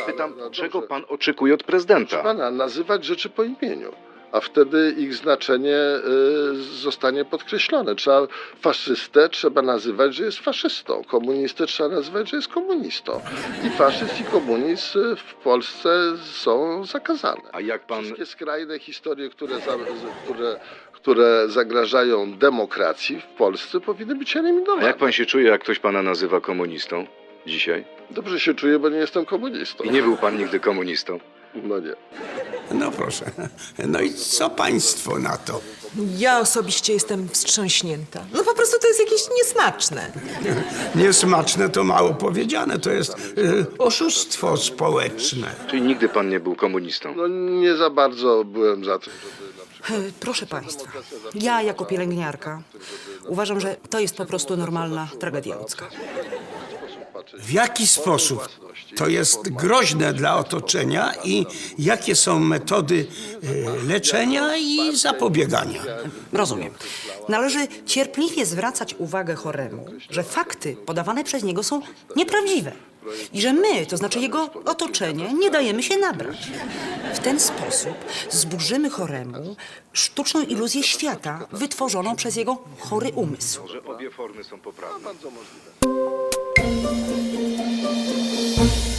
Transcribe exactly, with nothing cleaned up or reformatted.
pytam, no czego dobrze. pan oczekuje od prezydenta? Pana, nazywać rzeczy po imieniu, a wtedy ich znaczenie y, zostanie podkreślone. Trzeba faszystę trzeba nazywać, że jest faszystą, komunistę trzeba nazywać, że jest komunistą. I faszyzm i komunizm y, w Polsce są zakazane. A jak pan... Wszystkie skrajne historie, które, za, z- które, które zagrażają demokracji w Polsce, powinny być A eliminowane. jak pan się czuje, jak ktoś pana nazywa komunistą dzisiaj? Dobrze się czuję, bo nie jestem komunistą. I nie był pan nigdy komunistą? No nie. No proszę. No i co państwo na to? Ja osobiście jestem wstrząśnięta. No po prostu to jest jakieś niesmaczne. Niesmaczne to mało powiedziane, to jest y, oszustwo społeczne. Czyli nigdy pan nie był komunistą? No nie za bardzo byłem za tym, żeby na przykład... E, Proszę państwa, ja jako pielęgniarka uważam, że to jest po prostu normalna tragedia ludzka. W jaki sposób to jest groźne dla otoczenia i jakie są metody y, leczenia i zapobiegania? Rozumiem. Należy cierpliwie zwracać uwagę choremu, że fakty podawane przez niego są nieprawdziwe. I że my, to znaczy jego otoczenie, nie dajemy się nabrać. W ten sposób zburzymy choremu sztuczną iluzję świata wytworzoną przez jego chory umysł. Że obie formy są poprawne. Bardzo możliwe.